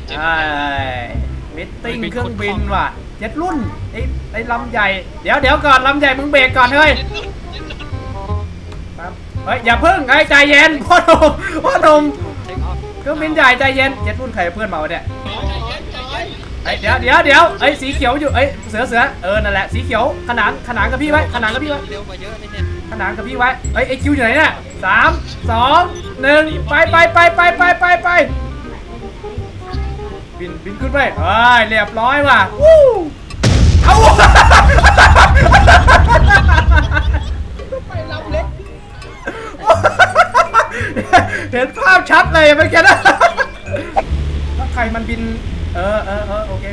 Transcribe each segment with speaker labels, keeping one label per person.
Speaker 1: ใช่มิตติ้งเครื่องบินว่ะเจ็ดรุ่นไอ้ลำใหญ่เดี๋ยวก่อนลำใหญ่มึงเบรกก่อนเฮ้ยเฮ้ยอย่าพึ่งไอ้ใจเย็นพ่อหนุ่มเครื่องบินใหญ่ใจเย็นเจ็ดรุ่นใครเพื่อนมาวะเนี่ยไอ้เดี๋ยวไอ้สีเขียวอยู่ไอ้เสือนั่นแหละสีเขียวขนานกับพี่ไว้ขนานกับพี่ไว้เร็วกว่าเยอะเนี่ยขนานกับพี่ไว้ไอ้คิวอยู่ไหนเนี่ย3 2 1ไปบินขึ้นไปเรียบร้อยว่ะเอา
Speaker 2: ไปลำเล็ก
Speaker 1: เห็นภาพชัดเลยเมื่อกี้นะถ้าใครมันบินโอเค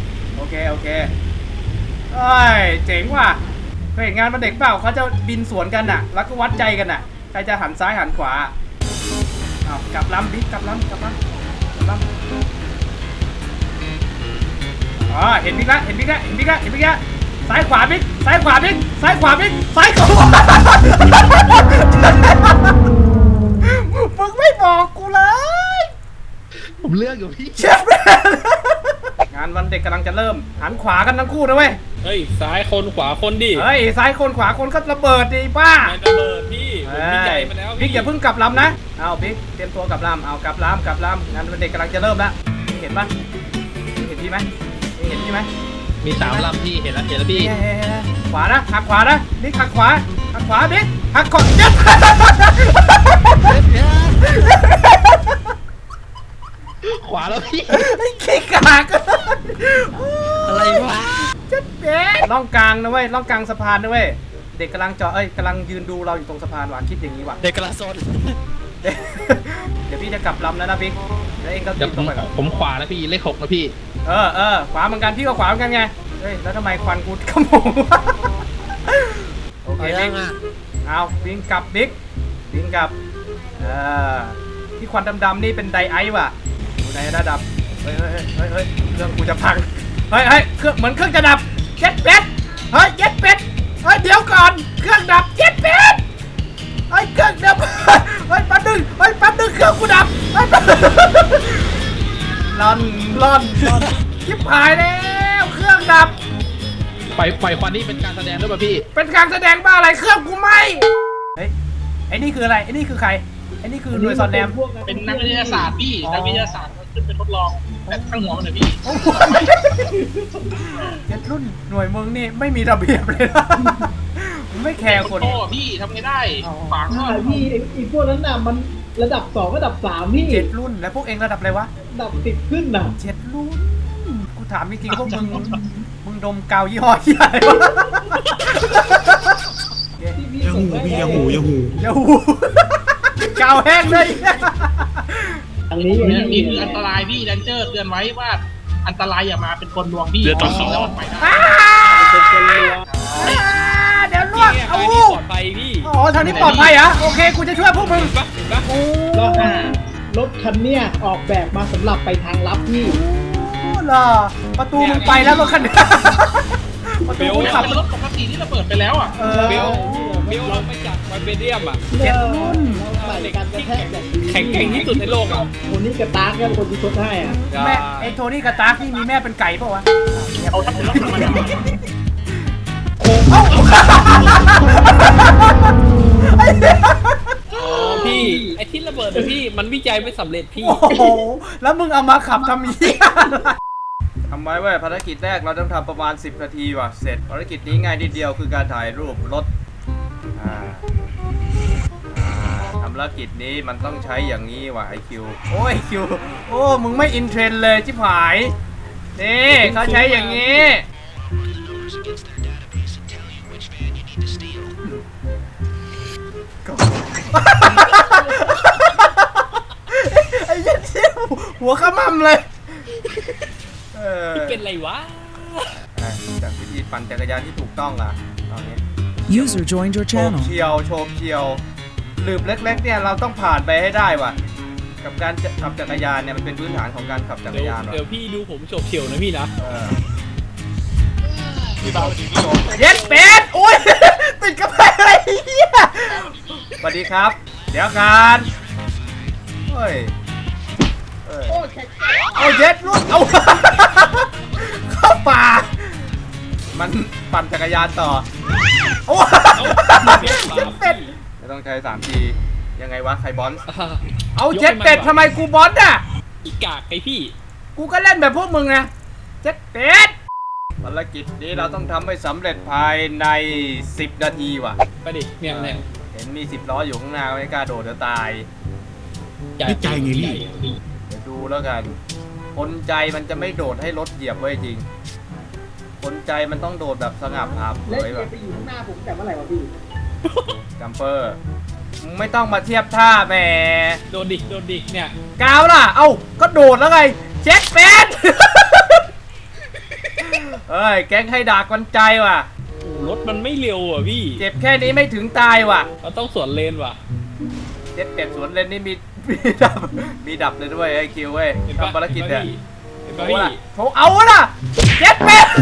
Speaker 1: เจ๋งว่ะเคยเห็นงานมันเด็กเปล่าเขาจะบินสวนกันน่ะแล้วก็วัดใจกันน่ะใครจะหันซ้ายหันขวาเอากลับลำบิ๊กกลับลำเห็นบิ๊กละซ้ายขวาบิ๊กมึงไม่บอกกูเลย
Speaker 2: ผมเลือกอยู่พี่
Speaker 1: เชฟงานวันเด็กกำลังจะเริ่มหันขวากันทั้งคู่นะเว้ย
Speaker 3: เฮ้ยซ้ายคนขวาคนดิ
Speaker 1: เฮ้ยซ้ายคนขวาคนก็ระเบิดดิป้า
Speaker 3: ไม่ระเบิดพี่ผมวิจัยมาแล้ว
Speaker 1: บิ๊กอย่าเพิ่งกลับลำนะเอาบิ๊กเตรียมตัวกลับลำเอากลับลำงานวันเด็กกำลังจะเริ่มแล้วเห็นปะเห็นพี่ไหม
Speaker 3: มี3 ลำพี่เห็นแล้วพี่
Speaker 1: ขวานะหักขวานะบิ๊กหักขวาบิ๊กหักขวาเจ็บ
Speaker 3: ขวาแล้วพี่
Speaker 1: ขี้กาก
Speaker 3: อะไรวะ
Speaker 1: เจ็บเบ๊ล่องกลางนะเว้ยล่องกลางสะพานนะเว้ยเด็กกำลังกำลังยืนดูเราอยู่ตรงสะพานว่ะคิดอย่างนี้ว่ะ
Speaker 3: เด็กกำลังโซน
Speaker 1: เดี๋ยวพี่จะกลับลำแล้วนะบิ๊กแล้วเองก็ติดตรงไปก่อน
Speaker 3: ผมขวาแล้วพี่เลข 6นะพี่
Speaker 1: ขวาเหมือนกันพี่ก็ขวาเหมือนกันไงเฮ้ยแล้วทำไมควันกูขโมงโอเคบิ๊กเอาวิ่งกลับบิ๊กวิ่งกลับที่ควันดำๆนี่เป็นไดไอซ์ว่ะอยู่ในระดับเฮ้ยเครื่องกูจะพังเฮ้ยเครื่องเหมือนเครื่องจะดับเจ็ดเป็ดเฮ้ยเดี๋ยวก่อนเครื่องดับเจ็ดเป็ดเครื่องดับแป๊บนึงเครื่องกูดับล่อนชิบหายแล้วเครื่องดับ
Speaker 3: ปล่อยควันนี่เป็นการแสดงด้วยป่ะพี่
Speaker 1: เป็นการแสดงบ้าอะไรเครื่องกูไหมเฮ้ยไอ้นี่คืออะไรไอ้นี่คือใครไอ้นี่คือหน่วยสอดแนม
Speaker 3: เป็นนักวิทยาศาสตร์พี่นักวิทยาศาสตร์ขึ้นไปทดลองแต่ข้างหัวมันเลยพี่
Speaker 1: เจ็ดรุ่นหน่วยมึงนี่ไม่มีระเบียบเลยนะไม่แคร์คน
Speaker 3: พี่ทำไงได้ฝัง
Speaker 2: พี่อีพวกนั้นน่ะมันระดับ2ระดับ3พี่
Speaker 1: เจ็ดรุ่นแล้วพวกเองระดับอะไรวะ
Speaker 2: ระดับ10ขึ้นน่ะ
Speaker 1: เจ็ดรุ่นกูถามจริงๆพวกมึงดมกาวยี่ห้อใหญ่วะ
Speaker 3: อย่าหู
Speaker 1: กาวแห้งเลย
Speaker 2: อันนี้
Speaker 3: คืออันตรายพี่แดนเจอร์เตือนไว้ว่าอันตรายอย่ามาเป็นคนลวงพี่
Speaker 1: เดี๋ยว
Speaker 3: แล้วมันไปได้
Speaker 1: เดี๋ยวล่วงเอา
Speaker 3: ปลอดภัยพี่
Speaker 1: ทางนี้ปลอดภัยเหรอโอเคกูจะช่วยพวกมึง
Speaker 2: รถคันเนี้ยออกแบบมาสำหรับไปทางลับพี่
Speaker 1: เหรอประตูมึงไปแล้วรถคันนี้
Speaker 3: ประตูมึงขับรถปกติที่เราเปิดไปแล้วอ่ะเบลเราไม่จัดไวเบเดียมอ่ะ
Speaker 1: เจ็ดรุ่น
Speaker 3: แข็งแกร่งที่สุดในโลกอ่ะ
Speaker 2: โทนี่กระตากเนี่ยคนที่ชดให้อ่ะ
Speaker 1: แม่ไอ้โทนี่กระตากนี่มีแม่เป็นไก่ป่ะวะ
Speaker 3: เอาทั้งหมดแล้วมันพี่ไอ้ที่ระเบิดพี่มันวิจัยไม่สำเร็จพี่
Speaker 1: โอ้โหแล้วมึงเอามาขับทำยี่ทำไว้เว้ยภารกิจแรกเราต้องทำประมาณ10 นาทีว่ะเสร็จภารกิจนี้ง่ายนิดเดียวคือการถ่ายรูปรถทำภารกิจนี้มันต้องใช้อย่างนี้ว่ะไอคิวโอ้ยคิวโอ้มึงไม่อินเทรนเลยชิบหายนี่เขาใช้อย่างนี้ไอ้ยันเชี่ยวหัวขมำเลย
Speaker 3: เป็นไรวะ
Speaker 1: จากวิธีปั่นจักรยานที่ถูกต้องล่ะตอนนี้
Speaker 4: User joined your channel
Speaker 1: โฉบเฉียวหลืบเล็กๆเนี่ยเราต้องผ่านไปให้ได้ว่ะกับการขับจักรยานเนี่ยมันเป็นพื้นฐานของการขับจักรยาน
Speaker 3: เดี๋ยวพี่ดูผมโฉบเฉียวนะพี่นะ
Speaker 1: เย็ดเป็ดโอ้ยติดกระเพาะอะไรเหี้ยสวัสดีครับเดี๋ยวกันเฮ้ย
Speaker 2: โอ้แข็ง
Speaker 1: เอาเย็ดลูกเอาเข้าป่ามันปั่นจักรยานต่อโอ้เจ็ดเป็ดไม่ต้องใช้3 ทียังไงวะใครบอลเอาเจ็ดเป็ดทำไมกูบอลอ่ะ
Speaker 3: อีกากไอพี่
Speaker 1: กูก็เล่นแบบพวกมึงนะเจ็ดเป็ดภารกิจนี้เราต้องทำให้สำเร็จภายใน10 นาทีว่ะ
Speaker 3: ไปดิเนี่ย
Speaker 1: เห็นมี10 ล้ออยู่ข้างหน้าไม่กล้าโดดเดี๋ยวตาย
Speaker 5: นี่ใจไงพี่
Speaker 1: เดี๋ยวดูแล้วกันคนใจมันจะไม่โดดให้รถเหยียบไว้จริงคนใจมันต้องโดดแบบสงับอาบเผ
Speaker 2: เล่น
Speaker 1: ย
Speaker 2: เก
Speaker 1: แบ
Speaker 2: ม
Speaker 1: บ
Speaker 2: ไปอยู่ข้างหน้าผมแต่เมื่อไหร่วะพี่
Speaker 1: จัมเปอร์มึงไม่ต้องมาเทียบท่าแหม
Speaker 3: โดนดิเนี่ย
Speaker 1: กาวล่ะเอ้าก็โดดแล้วไงเจ็ดเป็ด เฮ้ยแก๊งให้ดากกันใจว่ะ
Speaker 3: รถมันไม่เร็วอ่ะพี่
Speaker 1: เจ็บแค่นี้ไม่ถึงตายว่ะ
Speaker 3: เราต้องสวนเลนว่ะ
Speaker 1: เจ็ดเป็ดสวนเลนนี่มีดับเลยด้วยไอ้คิวเว้ย
Speaker 3: เห็นปะ
Speaker 1: ทำภารกิจเนี่ย
Speaker 3: เห็น
Speaker 1: โถ
Speaker 3: ปะพี่
Speaker 1: ล่ะโถเอาล่ะเจ็ดเป็ด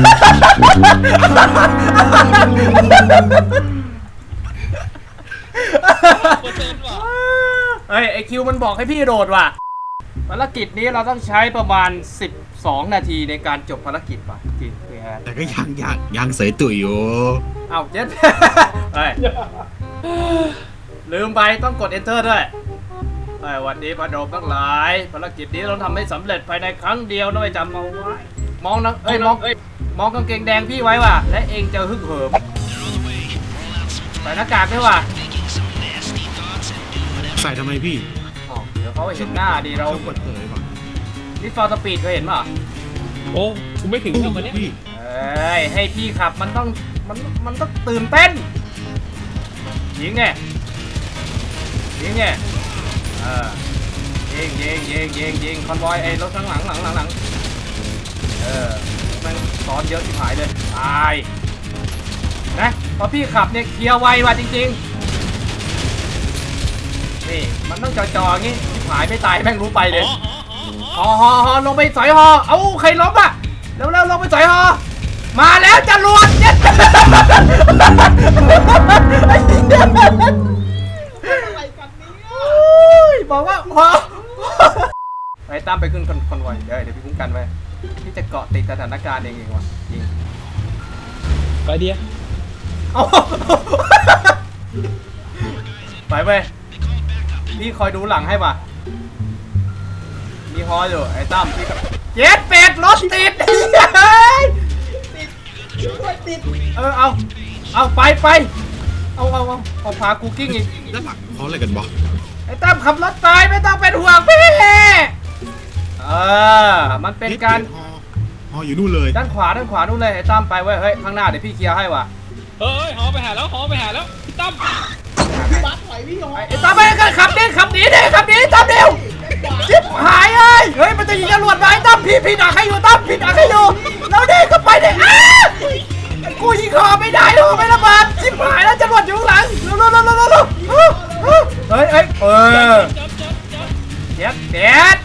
Speaker 3: เปอร์เซ็นต์ว่ะ
Speaker 1: เฮ้ยไอคิวมันบอกให้พี่โดดว่ะภารกิจนี้เราต้องใช้ประมาณ12 นาทีในการจบภารกิจว่ะจริงพี่ฮะ
Speaker 5: แต่ก็ยังเสยตุ๋ยอยู่
Speaker 1: เอาเจ็ด เฮ้ยลืมไปต้องกด enter ด้วยวันนี้พนมทั้งหลายภารกิจนี้เราทำให้สำเร็จภายในครั้งเดียวนะไอ้จำเอาไว้มองนะมองกางเกงแดงพี่ไว้ว่ะและเองจะฮึกเหิมใส่หน้ากากด้วยว่ะ
Speaker 5: ใส่ทำไมพี่
Speaker 1: อ๋อเดี๋ยวเขาเห็นหน้าดีเรา
Speaker 5: เขาเปิดเผยก่อน
Speaker 1: นี่ฟอร์สปีดเคยเห็นป่ะ
Speaker 3: โอ้กูไม่ถึงทำมาเนี้ย
Speaker 5: พี่
Speaker 1: เอ้ยให้พี่ขับมันต้องตื่นเต้นยิงไงยิงคอนวอยไอ้รถข้างหลังมันซ้อนเยอะที่หายเลยตายนะพอพี่ขับเนี่ยเคลียร์ไวว่ะจริงๆนี่มันต้องจ่อๆอย่างงี้ที่หายไม่ตายแม่งรู้ไปเลยฮอลงไปสอยฮอเอ้าใครล้มอ่ะเร็วลงไปสอยฮอมาแล้วจรวดเจ็ด
Speaker 2: อะไรกันเนี่ย
Speaker 1: บอกว่าพอไปตามไปขึ้นคอนวอยเดี๋ยวพี่คุ้มกันไว้พี่จะเกาะติดสถานการณ์เองว่ะจริง
Speaker 3: ไปเดีย
Speaker 1: เอาไปเว้ยพี่คอยดูหลังให้ป่ะมีฮออยู่ไอ้ตั้มพี่กับเจ็ดเป็ดรถติด
Speaker 2: ช่วยติด
Speaker 1: เอาไปเอาพากูกิ้งอีก
Speaker 5: ด้านหลังเขาอะไรกันบอ
Speaker 1: ไอ้ตั้มขับรถตายไม่ต้องเป็นห่วงพี่มันเป็นการ
Speaker 5: ฮออยู่นู่นเลย
Speaker 1: ด้านขวานู่นเลยไอ้ตั้มไปเว้ยเฮ้ยข้างหน้าเดี๋ยวพี่เคลียร์ให้ว่ะ
Speaker 3: เฮ้ยหอไปหาแล้วพี่ตั้ม
Speaker 2: พี่บัสถอยพี่ยอ
Speaker 1: ไอ้ตั้มไปกันขับหนีตั้มเร็วชิบหายเฮ้ยมันจะยิงจรวดมาไอ้ตั้มพี่ดักให้อยู่ตั้มพี่ดักให้อยู่แล้วดิก็ไปดิกูยิงคอไม่ได้หรอกไม่ระเบิดชิบหายแล้วจรวดอยู่ข้างหลังเร็วเฮ้ยเด็ด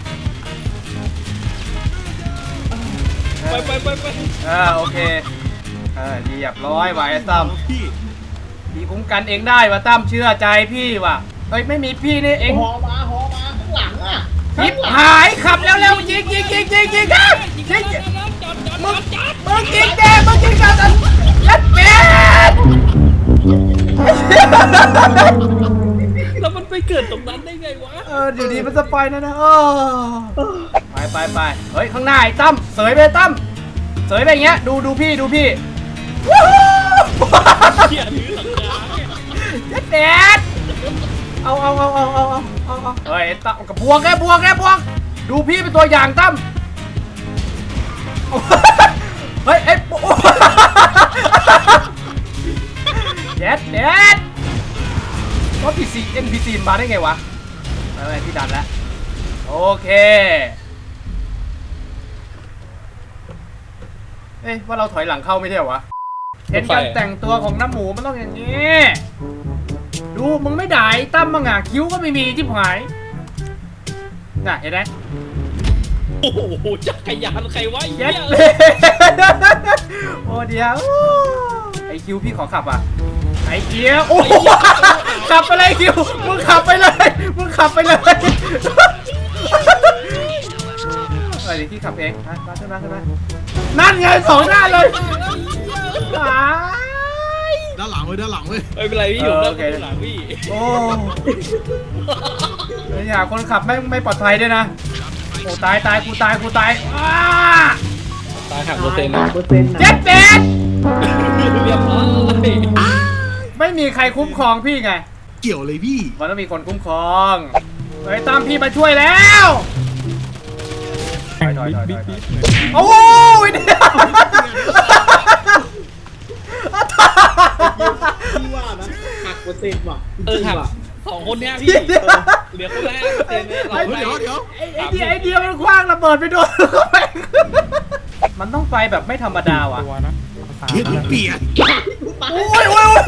Speaker 3: ไป
Speaker 1: โอเคเรียบร้อยว่ะไอ้ตั้ม พี่คุ้มกันเองได้ว่ะตั้มเชื่อใจพี่ว่ะเฮ้ยไม่มีพี่นี่เอง
Speaker 2: หอมาข้างหลังอ่ะ
Speaker 1: ชิบหายขับเร็วยิงมึงยิงกันยัดเป็ด
Speaker 3: แล้วมันไปเกิดตรงนั้นได้ไงวะ
Speaker 1: เดี๋ยวดีมันจะไปนะไปเฮ้ยข้างหน้าไอ้ตั้มเสยไปตั้มเสยไปอย่างเงี้ยดูพี่
Speaker 3: เขี่ยถือสังกา
Speaker 1: ยัดเป็ดเอาเฮ้ยตั้มกับบวกดูพี่เป็นตัวอย่างตั้มเฮ้ยเด็ดรถ NPC มาได้ไงวะอะไรพี่ดันแล้วโอเคว่าเราถอยหลังเข้าไม่ใช่เหรอวะเห็นการแต่งตัวของน้ำหมูมันต้องอย่างนี้ดูมึงไม่ด่าไอ้ตั้มมั้งอ่ะคิ้วก็ไม่มีที่หายน่ะเห็นไหม
Speaker 3: โอ้โหจักรยานใครวะ
Speaker 1: เย็ดเลย โอ้เดียวไอคิวพี่ขอขับอ่ะไอเกียวโอ้ขับไปเลยคิวมึงขับไปเลยเดี๋ยวพี่ขับเองมาขึ้นมานั่นไงสองด้านเลยตาย
Speaker 5: ด้านหลังเว้ยด้านหลังเว้ย
Speaker 3: ไม่เป็นไรพี่อยู่ด้านหลังพี่
Speaker 1: โอ้ยอย่าคนขับไม่ปลอดภัยด้วยนะโอ้ตายกูตายอ้า
Speaker 3: ตายหักเปอร์เซ็นต์
Speaker 2: 5%นะ
Speaker 1: เจ็ดเป็ด
Speaker 3: เรียบร้อย
Speaker 1: ไม่มีใครคุ้มครองพี่ไง
Speaker 5: เกี่ยวเลยพี่
Speaker 1: มันต้องมีคนคุ้มครองเฮ้ยตามพี่มาช่วยแล้วถอยโอ้ยเนี่ย
Speaker 2: พี่ว่านะหักเปอร์เซ็นต์ว่ะจริง
Speaker 3: หัก
Speaker 2: ว่ะ
Speaker 3: 2 คนเนี้ยพี่เหลือคนแรกเปอร์เซ็นต์เนี่ยเรา
Speaker 5: เดี๋ยว
Speaker 1: ไอเดียมันคว้างระเบิดไปโดนมันต้องไปแบบไม่ธรรมดาว่ะ
Speaker 5: เฮ้ยเปลี่ยน
Speaker 1: โอ้ย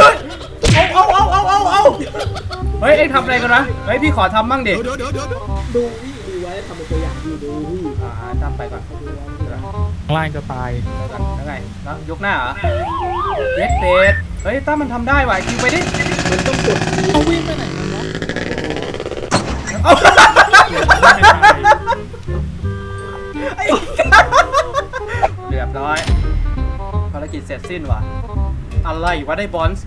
Speaker 1: เอาเฮ้ยเอ็งทำอะไรกันนะเฮ้ยพี่ขอทำมั่งดิ
Speaker 5: เดี๋ยว
Speaker 2: ดูพี่ดูไว้ทำเป็นตัวอย่างดูพี่
Speaker 1: ทำไปก่อน
Speaker 6: ล่างจะตาย
Speaker 1: แล้วไงแล้วยกหน้าเหรอเย็ดเป็ดเฮ้ยตั้มมันทำได้ว่ะคิวไปดิ
Speaker 2: มันต้องกด
Speaker 6: เขาวิ่งไปไหนมันวะ
Speaker 1: เอาเรียบร้อยภารกิจเสร็จสิ้นว่ะอะไรวะได้บอลส์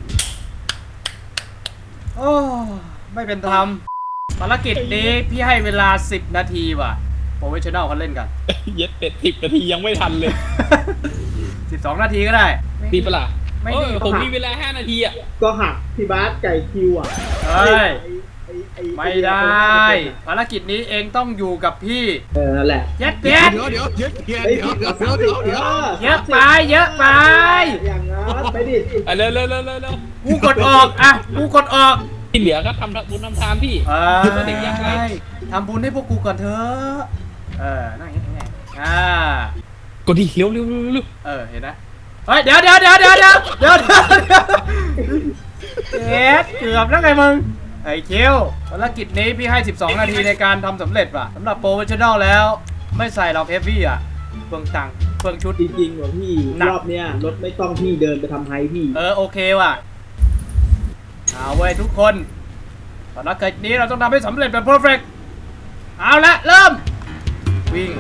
Speaker 1: โอ้ไม่เป็นธรรมภารกิจนี้พี่ให้เวลา10 นาทีว่ะโปรเฟชชั่นแนลเขาเล่นกัน
Speaker 3: เย็ดเป็ด10 นาทียังไม่ทันเลย
Speaker 1: 12 นาทีก็ได้
Speaker 3: ดีปะล่ะ
Speaker 1: ไม่ดี
Speaker 3: ผมมีเวลา5 นาทีอ่ะ
Speaker 2: ก็หักพี่บาสไก่คิวอ่ะ
Speaker 1: เฮ้ย
Speaker 2: ไอ้
Speaker 1: ไม่ได้ภารกิจนี้เองต้องอยู่กับพี่
Speaker 2: นั่นแหละ
Speaker 1: เย็ดเป็ด
Speaker 5: เดี๋ยว
Speaker 2: ไอ้พี่กับเขาดิ
Speaker 1: เยอะไป
Speaker 2: อย่างนั้นไปดิ
Speaker 3: เร็ว
Speaker 1: กูกดออกอ่ะกูกดออก
Speaker 3: ที่เหลือก็ทำบุญทำทานพี่ เด็กยากไร้
Speaker 1: ทำบุญให้พวกกูก่อนเถอะนั่งอย่างงี้
Speaker 3: กดดิเร็ว
Speaker 1: เห็นนะเฮ้ยเดี๋ยวเอ็ดเกือบแล้วไงมึงไอ้เคียวภารกิจนี้พี่ให้ 12 นาทีในการทำสำเร็จว่ะสำหรับโปรเฟชชั่นแนลแล้วไม่ใส่หรอกเฮฟวี่อ่ะเปลืองตังค์เปลืองชุด
Speaker 2: จริงๆว่ะพี่รอบเนี้ยรถไม่ต้องพี่เดินไปทำไฮพี่
Speaker 1: โอเคว่ะเอาเว้ยทุกคนภารกิจนี้เราต้องทำให้สำเร็จแบบเพอร์เฟกต์เอาละเริ่มวิ่ง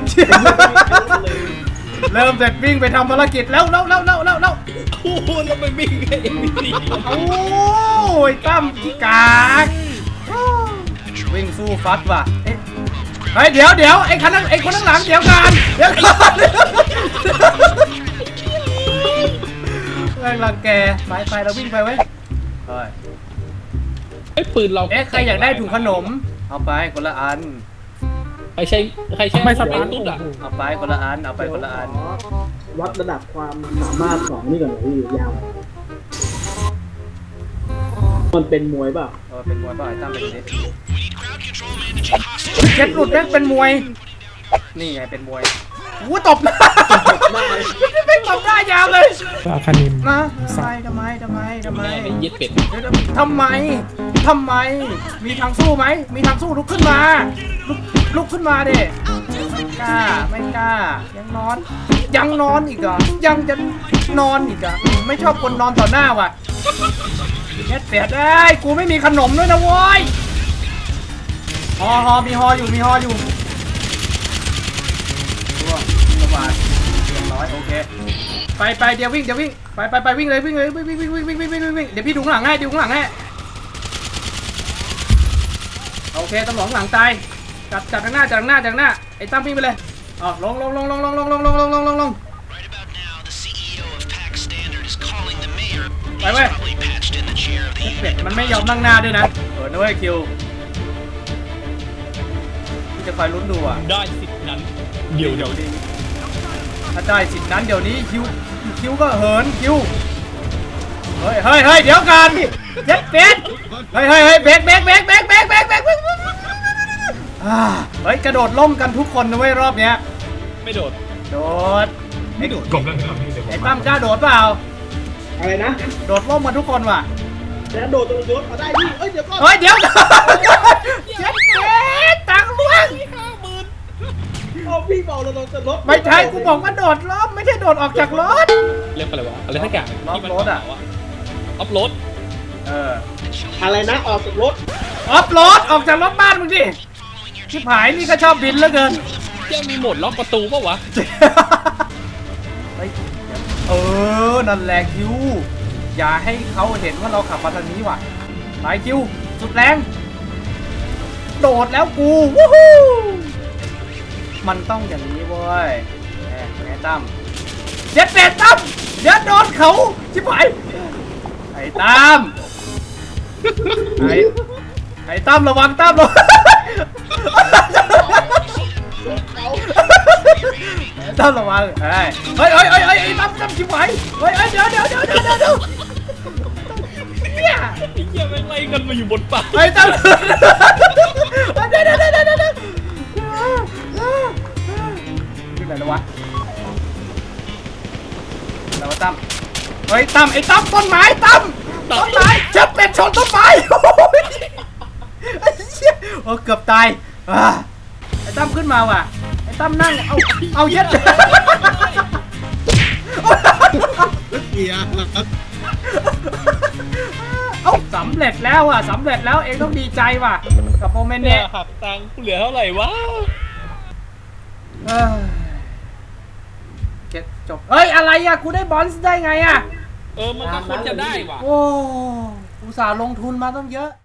Speaker 1: เริ่มเสร็จวิ่งไปทำภารกิจแล้ว
Speaker 3: โอ้โหแล้วไปวิ่งไอ้พี่
Speaker 1: โอ้ยตั้มขี้กากวิ่งสู้ฟัดว่ะเฮ้ยเดี๋ยวไอ้คนข้างหลังเดี๋ยวก่อนแรงรังแกไปเราวิ่งไปเว้ยเฮ้ย
Speaker 3: ไอ้ปืนเรา
Speaker 1: ใครอยากได้ถุงขนมเอาไปคนละอัน
Speaker 3: ใครใช้ไม่สตาร์ทตุ๊ดอ่ะ
Speaker 1: เอาไปคนละอัน
Speaker 2: วัดระดับความสามารถของนี่ก่อนเลยพี่ยาวมันเป็นมวยเปล่า
Speaker 1: เป็นมวยป่ะไอ้ตั้มเป็นนี้เจ็ดหลุดแม่งเป็นมวยนี่ไงเป็นมวยตบหน้าไม่ตบหน้ายาวเลย
Speaker 6: อาคานิม
Speaker 1: นะทำไม
Speaker 3: เย็ดเป็ด
Speaker 1: ทำไมมีทางสู้ไหมมีทางสู้ลุกขึ้นมาลุกขึ้นมาดิไม่กล้ายังนอนอีกเหรอยังจะนอนอีกเหรอไม่ชอบคนนอนต่อหน้าว่ะเฮ็ดเสียได้กูไม่มีขนมด้วยนะโว้ยฮอมีฮออยู่ระบาดเรียบร้อยโอเคไปเดี๋ยววิ่งไปวิ่งเลยวิ่งเดี๋ยวพี่ดูข้างหลังให้โอเคตำรวจข้างหลังตายจัดข้างหน้าไอ้ตั้มวิ่งไปเลยลงไปเว้ยเป็ดมันไม่ยอมนั่งหน้าด้วยนะนะเว้ยคิวพี่จะคอยลุ้นดูอ่ะ
Speaker 3: ได้สิทธิ์นั้นเดี๋ยว
Speaker 1: ถ้าได้สิทธิ์นั้นเดี๋ยวนี้คิวก็เหินคิวเฮ้ยเดี๋ยวกันเย็ดเป็ดเฮ้ยเบรกเฮ้ยกระโดดล่มกันทุกคนนะเว้ยรอบเนี้ย
Speaker 3: ไม่โดด
Speaker 1: ไอ้ตั้มกล้าโดดเปล่า
Speaker 2: อะไรนะ
Speaker 1: โดดล่มมาทุกคนว่ะ
Speaker 2: แล้วโดดตรงรถมาได้พี่เดี๋ยวก่อน
Speaker 1: เดี๋ยวเย็ดเป็ดตังค์ล่วง
Speaker 2: พี่บอกเราโดนจะรถ
Speaker 1: ไม่ใช่กูบอกว่าโดดล่มไม่ใช่โดดออกจากรถ
Speaker 3: เรียกอะไรวะอะไรสักอย่าง
Speaker 1: ออฟโรดอะ
Speaker 3: ออฟโรด
Speaker 2: อะไรนะออกจากรถ
Speaker 1: ออฟโรดออกจากรถบ้านมึงดิชิบหายนี่ก็ชอบบินเหลือเกิน
Speaker 3: เจ้ามีโหมดล็อกประตูปะวะ
Speaker 1: เฮ้ยนั่นแหละคิวอย่าให้เขาเห็นว่าเราขับมาทางนี้ว่ะไปคิวสุดแรงโดดแล้วกูวู้ฮู้มันต้องอย่างนี้เว้ยแม่ตั้มเจ็ดเป็ดตั้มเดี๋ยวโดนเขาชิบหายไอ้ตั้มไอ้ตั้มระวังตั้มระวังตั้มระวังเฮ้ยไอ้ตั้มชิบหายเฮ้ยเดี๋ยวเนี่ย
Speaker 3: ไอ้เหี้ยแม่งไล่กันมาอยู่บนป่า
Speaker 1: ไอ้ตั้มเดี๋ยวที่ไหนแล้ววะแล้วตั้มเฮ้ยตั้มไอ้ตั้มต้นไม้ตั้มต้นไม้เจ็บเป็ดชนต้นไม้ไอ้เหี้ยเกือบตายไอ้ตั้มขึ้นมาว่ะไอ้ตั้มนั่งเอาเย็ด
Speaker 5: เปียแล้ว
Speaker 1: สำเร็จแล้วอ่ะสำเร็จแล้วเองต้องดีใจว่ะกับโมเมนต์
Speaker 3: เนี่
Speaker 1: เนี้
Speaker 3: ย
Speaker 1: ย
Speaker 3: หักตังค์กูเหลือเท่าไหร่วะ
Speaker 1: เก็บจบเฮ้ยอะไรอ่ะกูได้บอลซ์ได้ไงอ่ะ
Speaker 3: มันก็ควรจะได้ว่ะ
Speaker 1: โอ้อุตส่าห์ลงทุนมาต้องเยอะ